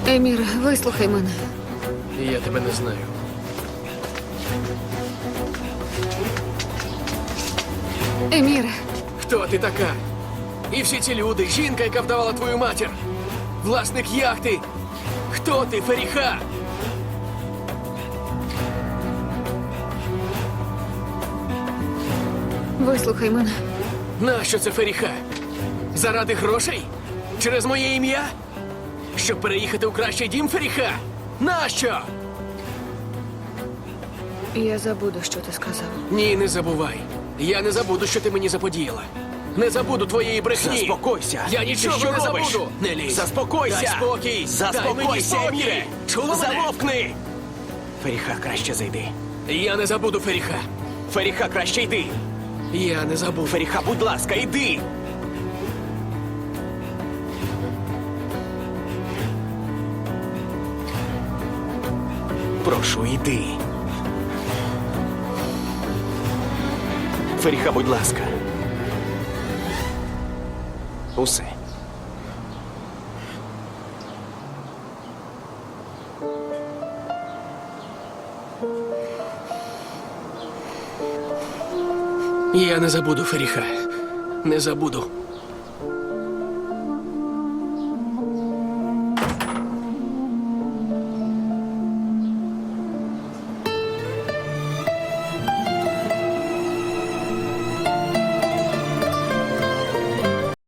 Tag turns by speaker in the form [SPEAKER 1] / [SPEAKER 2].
[SPEAKER 1] Емір, вислухай мене.
[SPEAKER 2] Я тебе не знаю.
[SPEAKER 1] Еміре,
[SPEAKER 2] Хто ти така? І всі ці люди, жінка, яка вдавала твою матір, власник яхти. Хто ти, Феріха?
[SPEAKER 1] вислухай мене.
[SPEAKER 2] Нащо це Феріха? Заради грошей? Через моє ім'я? Щоб переїхати у кращий дім, Феріха? Нащо?
[SPEAKER 1] Я забуду, що ти сказав.
[SPEAKER 2] Ні, не забувай. Я не забуду, що ти мені заподіяла. Не забуду твоєї брехні.
[SPEAKER 3] Заспокойся.
[SPEAKER 2] Я нічого
[SPEAKER 3] Ти що
[SPEAKER 2] не
[SPEAKER 3] робиш?
[SPEAKER 2] забуду. Не лізь.
[SPEAKER 3] Заспокойся.
[SPEAKER 2] Дай спокій. Дай мені
[SPEAKER 3] Заспокойся,
[SPEAKER 2] спокій.
[SPEAKER 3] Еміре.
[SPEAKER 2] Чула мене?
[SPEAKER 3] Замовкни. Феріха, краще зайди.
[SPEAKER 2] Я не забуду, Феріха.
[SPEAKER 3] Феріха, краще йди.
[SPEAKER 2] Я не забув.
[SPEAKER 3] Феріха, будь ласка, йди. Прошу, йди. Феріха, будь ласка. Усе.
[SPEAKER 2] Я не забуду, Феріха. Не забуду.